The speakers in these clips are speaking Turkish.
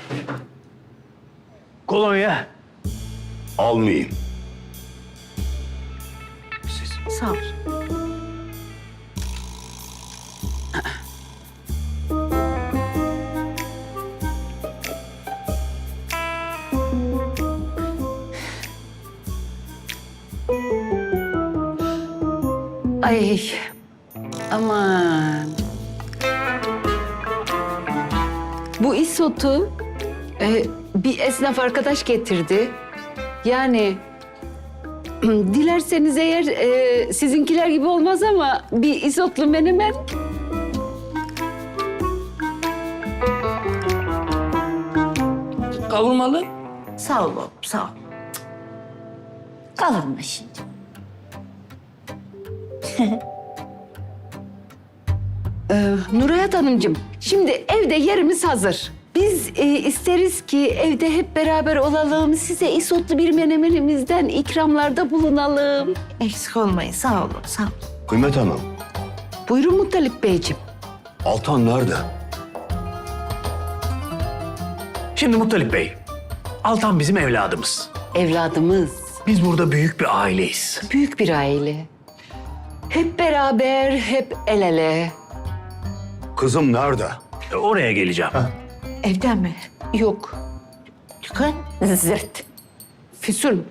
Kolonya. Almayayım. Sağ ol. Ay, aman. Bu isotu bir esnaf arkadaş getirdi. Yani dilerseniz eğer sizinkiler gibi olmaz ama bir isotlu menemen. Kavurmalı. Sağ ol oğlum, sağ ol. Kavurma şimdi. Nurayat Hanımcığım, şimdi evde yerimiz hazır. Biz isteriz ki evde hep beraber olalım. Size isotlu bir menemenimizden ikramlarda bulunalım. Eksik olmayın, sağ olun, sağ olun. Kıymet Hanım, Buyurun Muttalip Beyciğim. Altan nerede? Şimdi Muttalip Bey, Altan bizim evladımız. Evladımız, Biz burada büyük bir aileyiz. büyük bir aile. Hep beraber, hep el ele. Kızım nerede? Oraya geleceğim. Evden mi? Yok, Çıkın. Zırt. Füsun.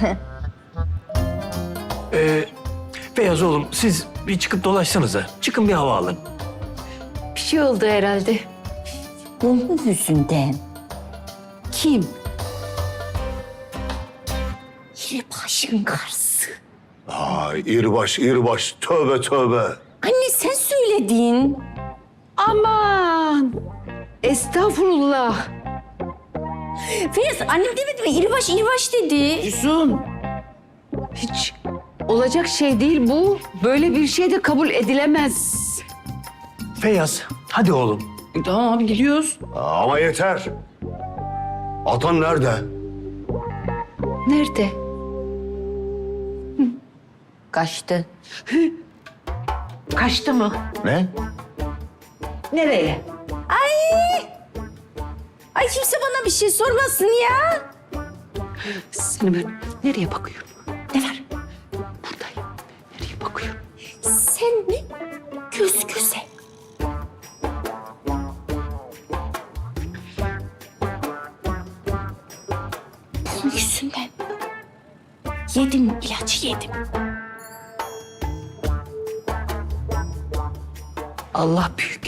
Feyyaz oğlum, siz bir çıkıp dolaşsanıza. Çıkın bir hava alın. Bir şey oldu herhalde. Bunun yüzünden. Kim? Yine başın karısı. Ay irbaş, irbaş. Tövbe tövbe. Anne sen söyledin. Aman! Estağfurullah. Feyyaz annem demedi mi? İribaş dedi. Füsun. Hiç olacak şey değil bu. Böyle bir şey de kabul edilemez. Feyyaz, hadi oğlum. Tamam abi gidiyoruz. Ama yeter. Altan nerede? Nerede? Kaçtı. Kaçtı mı? Ne? Nereye? Ay kimse bana bir şey sormasın ya. Seni ben nereye bakıyorum? Ne var? Buradayım. Nereye bakıyorum? Sen mi? Göz göze. Bunun yüzünden. Yedim ilacı yedim. Allah büyük.